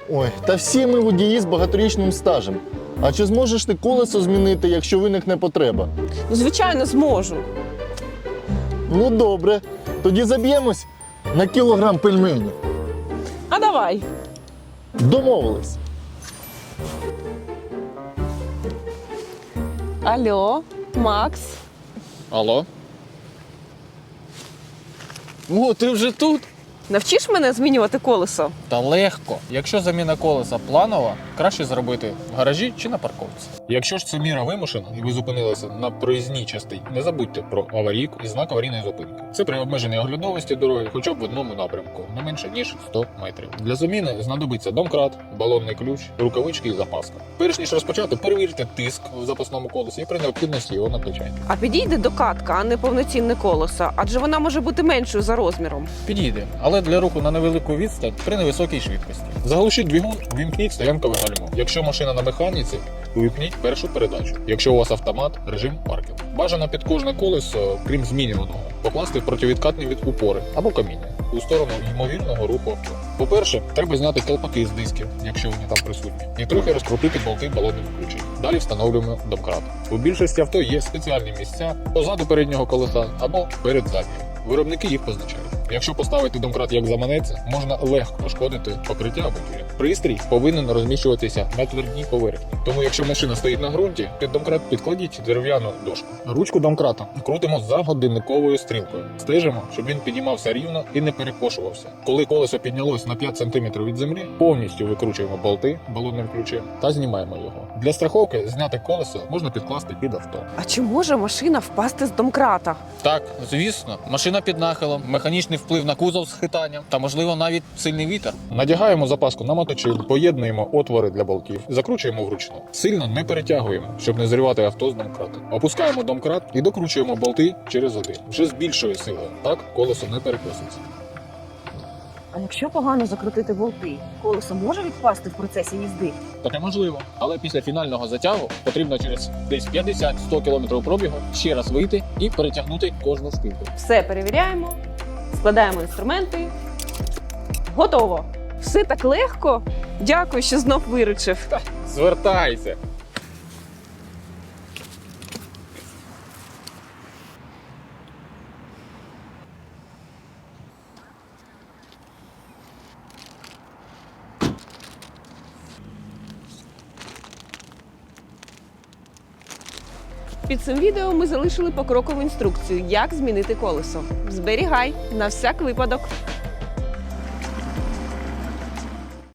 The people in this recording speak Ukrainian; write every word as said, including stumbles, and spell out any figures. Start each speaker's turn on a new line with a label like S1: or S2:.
S1: Ой, та всі ми водії з багаторічним стажем. А чи зможеш ти колесо змінити, якщо виникне потреба?
S2: Ну, звичайно, зможу.
S1: Ну добре, тоді заб'ємось на кілограм пельменів.
S2: А давай.
S1: Домовились.
S2: Алло, Макс.
S3: Алло? О, ти вже тут?
S2: Навчиш мене змінювати колесо?
S3: Та легко. Якщо заміна колеса планова, краще зробити в гаражі чи на парковці. Якщо ж це міра вимушена і ви зупинилися на проїзній частині, не забудьте про аварійку і знак аварійної зупинки. Це при обмеженій оглядовості дороги хоча б в одному напрямку, не менше ніж сто метрів. Для заміни знадобиться домкрат, балонний ключ, рукавички і запаска. Перш ніж розпочати, перевірте тиск в запасному колесі і при необхідності його накачайте.
S2: А підійде докатка, а не повноцінне колесо, адже вона може бути меншою за розміром.
S3: Підійде, але для руху на невелику відстань при невисокій швидкості. Заглушіть двигун, вімкніть стоянкове гальмо. Якщо машина на механіці, увімкніть першу передачу. Якщо у вас автомат, режим паркінг. Бажано під кожне колесо, крім змінюваного, покласти противідкатні від упори або каміння у сторону ймовірного руху авто. По-перше, треба зняти колпаки з дисків, якщо вони там присутні, і трохи розкрутити болти балонним ключем. Далі встановлюємо домкрат. У більшості авто є спеціальні місця позаду переднього колеса або перед заднім. Виробники їх позначають. Якщо поставити домкрат як заманеться, можна легко пошкодити покриття або тюря. Пристрій повинен розміщуватися на твердій поверхні. Тому якщо машина стоїть на ґрунті, під домкрат підкладіть дерев'яну дошку. Ручку домкрата крутимо за годинниковою стрілкою. Стежимо, щоб він піднімався рівно і не перекошувався. Коли колесо піднялось на п'ять сантиметрів від землі, повністю викручуємо болти балонним ключем та знімаємо його. Для страховки зняте колесо можна підкласти під авто.
S2: А чи може машина впасти з домкрата?
S3: Так, звісно, машина під нахилом, механічний вплив на кузов з хитанням та, можливо, навіть сильний вітер. Надягаємо запаску на моточиль, поєднуємо отвори для болтів, закручуємо вручну. Сильно не перетягуємо, щоб не зривати авто з домкрата. Опускаємо домкрат і докручуємо болти через один. Вже з більшою силою. Так колесо не перекоситься.
S2: А якщо погано закрутити болти, колесо може відпасти в процесі їзди?
S3: Таке можливо. Але після фінального затягу потрібно через десь п'ятдесят-сто км пробігу ще раз вийти і перетягнути кожну шпильку.
S2: Все перевіряємо, складаємо інструменти. Готово! Все так легко. Дякую, що знов виручив.
S3: Звертайся!
S2: Під цим відео ми залишили покрокову інструкцію, як змінити колесо. Зберігай на всяк випадок.